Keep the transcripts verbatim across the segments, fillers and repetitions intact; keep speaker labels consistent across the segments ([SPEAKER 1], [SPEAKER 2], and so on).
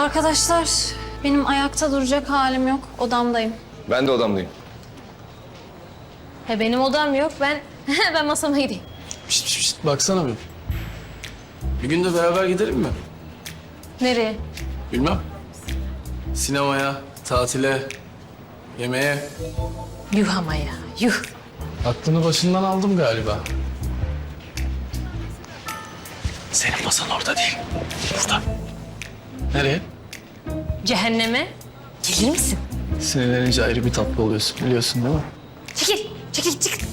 [SPEAKER 1] Arkadaşlar, benim ayakta duracak halim yok. Odamdayım.
[SPEAKER 2] Ben de odamdayım.
[SPEAKER 1] He benim odam yok. Ben ben masama gideyim.
[SPEAKER 3] Şişt, şişt, şişt, baksana bir. Bir gün de beraber gidelim mi?
[SPEAKER 1] Nereye?
[SPEAKER 3] Bilmem. Sinemaya, tatile, yemeğe.
[SPEAKER 1] Yuh ama ya, yuh.
[SPEAKER 3] Aklını başından aldım galiba. Senin masan orada değil. Burada. Nereye?
[SPEAKER 1] Cehenneme. Gelir misin?
[SPEAKER 3] Sinirlenince ayrı bir tatlı oluyorsun biliyorsun değil mi?
[SPEAKER 1] Çekil, çekil, çekil.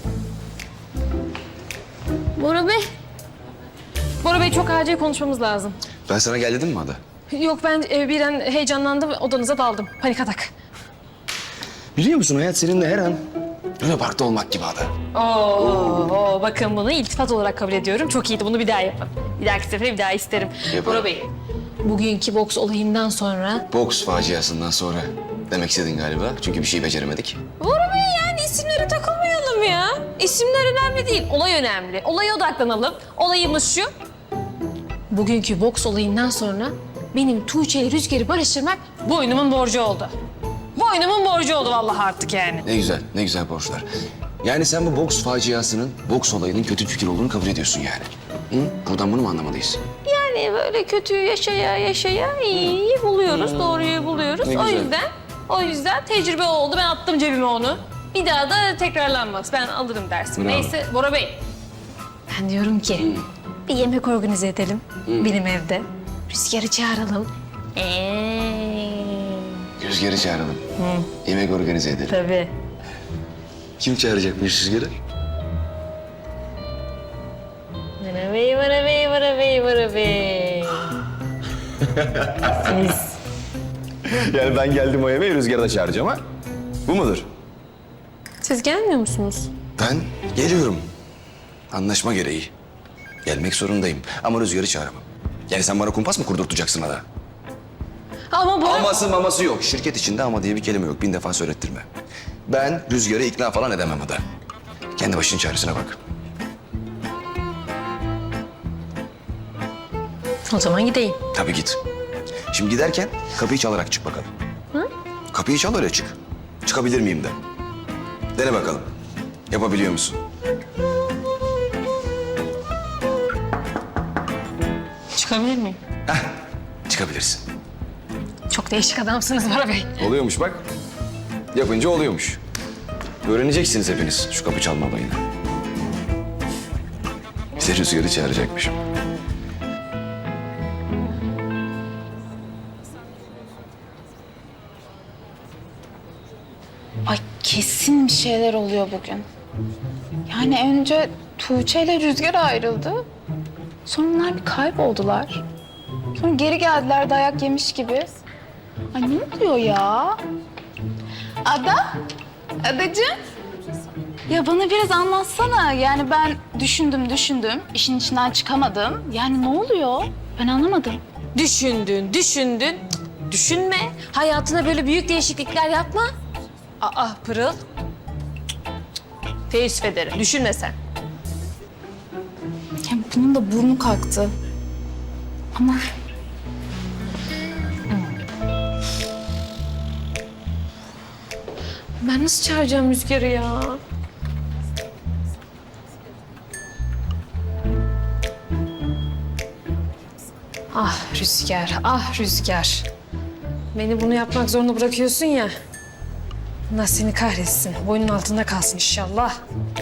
[SPEAKER 1] Bora Bey. Bora Bey çok acil konuşmamız lazım.
[SPEAKER 2] Ben sana gel dedim mi Ada?
[SPEAKER 1] Yok ben e, bir an heyecanlandım, odanıza daldım. Panik atak.
[SPEAKER 2] Biliyor musun hayat seninle her an Luna Park'ta olmak gibi Ada.
[SPEAKER 1] Oo, oo, bakın bunu iltifat olarak kabul ediyorum. Çok iyiydi, bunu bir daha yapın. Bir dahaki sefere bir daha isterim.
[SPEAKER 2] Yaparım.
[SPEAKER 1] Bora Bey, bugünkü boks olayından sonra...
[SPEAKER 2] Boks faciasından sonra demek istedin galiba. Çünkü bir şey beceremedik.
[SPEAKER 1] Bora Bey yani isimlere takılmayalım ya. İsimler önemli değil, olay önemli. Olaya odaklanalım. Olayımız şu. Bugünkü boks olayından sonra benim Tuğçe ile Rüzgar'ı barıştırmak boynumun borcu oldu. Boynumun borcu oldu vallahi artık yani.
[SPEAKER 2] Ne güzel, ne güzel borçlar. Yani sen bu boks faciasının, boks olayının kötü fikir olduğunu kabul ediyorsun yani. Hı? Buradan bunu mu anlamalıyız?
[SPEAKER 1] Yani böyle kötüyü yaşaya yaşaya iyiyi buluyoruz, doğruyu buluyoruz.
[SPEAKER 2] Ne
[SPEAKER 1] O
[SPEAKER 2] güzel.
[SPEAKER 1] yüzden, o yüzden tecrübe oldu. Ben attım cebime onu. Bir daha da tekrarlanmaz. Ben alırım dersimi.
[SPEAKER 2] Bravo.
[SPEAKER 1] Neyse Bora Bey. Ben diyorum ki bir yemek organize edelim benim evde. Rüzgar'ı çağıralım. Eee.
[SPEAKER 2] Rüzgar'ı çağıralım. Yemek organize edelim.
[SPEAKER 1] Tabii.
[SPEAKER 2] Kim çağıracakmış Rüzgar'ı?
[SPEAKER 1] Bora Bey, Bora Bey, Bora Bey, Bora Bey. Siz.
[SPEAKER 2] Yani ben geldim o yemeği Rüzgar'ı da çağıracağım ha? Bu mudur?
[SPEAKER 1] Siz gelmiyor musunuz?
[SPEAKER 2] Ben geliyorum. Anlaşma gereği. Gelmek zorundayım ama Rüzgar'ı çağıramam. Yani sen bana kumpas mı kurdurtacaksın Ada?
[SPEAKER 1] Ama Bora...
[SPEAKER 2] Aması maması yok. Şirket içinde ama diye bir kelime yok. Bin defa söylettirme. Ben Rüzgar'ı ikna falan edemem Ada. Kendi başının çaresine bak.
[SPEAKER 1] O zaman gideyim.
[SPEAKER 2] Tabii git. Şimdi giderken kapıyı çalarak çık bakalım. Hı? Kapıyı çal öyle çık. Çıkabilir miyim de. Dene bakalım. Yapabiliyor musun?
[SPEAKER 1] Çıkabilir miyim?
[SPEAKER 2] Heh, çıkabilirsin.
[SPEAKER 1] Çok değişik adamsınız Bora Bey.
[SPEAKER 2] Oluyormuş bak. Yapınca oluyormuş. Öğreneceksiniz hepiniz şu kapı çalma olayını. Bize Rüzgar'ı çağıracakmışım.
[SPEAKER 4] Ay kesin bir şeyler oluyor bugün. Yani önce Tuğçe ile Rüzgar ayrıldı. Sonra onlar bir kayboldular. Sonra geri geldiler dayak yemiş gibi. Ay ne oluyor ya? Ada? Adacığım? Ya bana biraz anlatsana. Yani ben düşündüm düşündüm. İşin içinden çıkamadım. Yani ne oluyor? Ben anlamadım.
[SPEAKER 1] Düşündün, düşündün. Cık, düşünme. Hayatına böyle büyük değişiklikler yapma. Aa Pırıl. Cık, cık. Teessüf ederim. Düşünme sen.
[SPEAKER 4] Ya bunun da burnu kalktı. Ama
[SPEAKER 1] Ben nasıl çağıracağım Rüzgar'ı ya? Ah Rüzgar, ah Rüzgar. Beni bunu yapmak zorunda bırakıyorsun ya. Allah seni kahretsin. Boynun altında kalsın inşallah.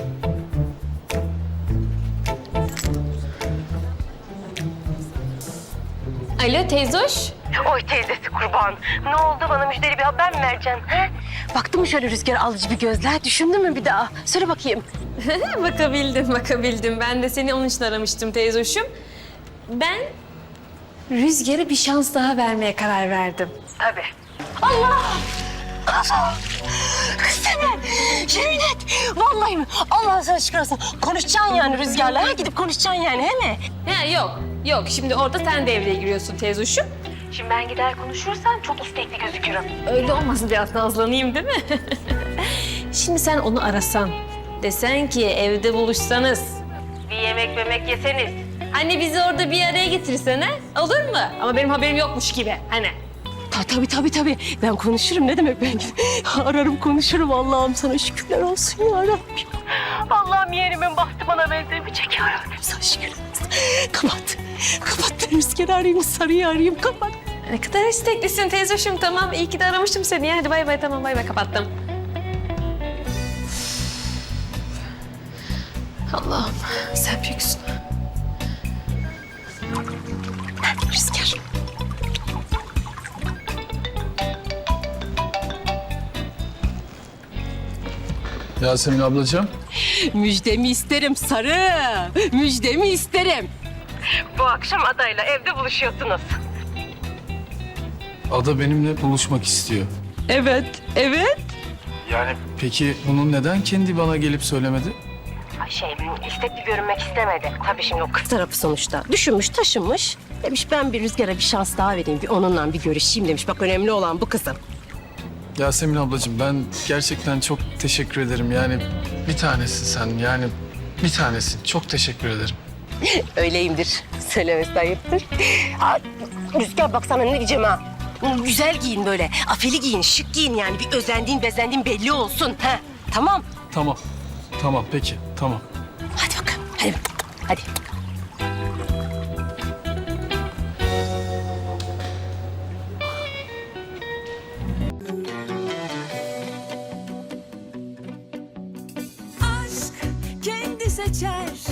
[SPEAKER 1] Alo teyzoş.
[SPEAKER 5] Oy teyzesi kurban. Ne oldu, bana müjdeli bir haber mi vereceksin? He? Baktın mı şöyle rüzgar alıcı bir gözler? Düşündün mü bir daha? Söyle bakayım.
[SPEAKER 1] Bakabildim, bakabildim. Ben de seni onun için aramıştım teyzoşum. Ben Rüzgar'a bir şans daha vermeye karar verdim.
[SPEAKER 5] Tabii. Allah! Kız Temel, yemin et. Vallahi mi? Allah sana şükür olsun. Konuşacaksın yani Rüzgar'la. Ha? Gidip konuşacaksın yani, he mi?
[SPEAKER 1] Ha, yok, yok. Şimdi orada sen devreye giriyorsun teyzoşum.
[SPEAKER 5] Şimdi ben gider konuşursam çok istekli gözükürüm.
[SPEAKER 1] Öyle olmasın biraz nazlanayım değil mi? Şimdi sen onu arasan, desen ki evde buluşsanız, bir yemek memek yeseniz, Anne bizi orada bir araya getirsene. Olur mu? Ama benim haberim yokmuş gibi. Hani.
[SPEAKER 5] Ta, tabii tabii tabii. Ben konuşurum. Ne demek ben? Ararım konuşurum. Allah'ım sana şükürler olsun ya Rabbim. Allah'ım yeğenimin bahtı bana benzemeyecek ya Rabbim. Sana şükürler olsun. Kapat. Kapat. Ben Rüzgar'ı arayayım, Sarı'yı arayayım. Kapat.
[SPEAKER 1] Ne kadar isteklisin teyzoşum. Tamam iyi ki de aramıştım seni. Ya. Hadi bay bay tamam bay bay kapattım. Allah'ım sen büyüksün.
[SPEAKER 5] Rüzgar.
[SPEAKER 3] Yasemin ablacığım.
[SPEAKER 5] Müjdemi isterim Sarı. Müjdemi isterim. Bu akşam adayla evde buluşuyorsunuz.
[SPEAKER 3] Ada benimle buluşmak istiyor.
[SPEAKER 5] Evet, evet.
[SPEAKER 3] Yani peki bunu neden kendi bana gelip söylemedi?
[SPEAKER 5] Şey, istekli görünmek istemedi. Tabii şimdi o kız tarafı sonuçta. Düşünmüş, taşınmış. Demiş ben bir Rüzgar'a bir şans daha vereyim. Bir onunla bir görüşeyim demiş. Bak önemli olan bu kızım.
[SPEAKER 3] Yasemin ablacığım ben gerçekten çok teşekkür ederim. Yani bir tanesin sen yani bir tanesin. Çok teşekkür ederim.
[SPEAKER 5] Öyleyimdir. Söylemesi ayıptır. Aa, Rüzgar bak sana ne diyeceğim ha. Güzel giyin böyle. Afili giyin, şık giyin yani. Bir özendiğin, bezendiğin belli olsun. Ha, tamam.
[SPEAKER 3] Tamam. Tamam peki tamam.
[SPEAKER 5] Hadi bakalım. Hadi. Hadi.
[SPEAKER 6] aşk kendi seçer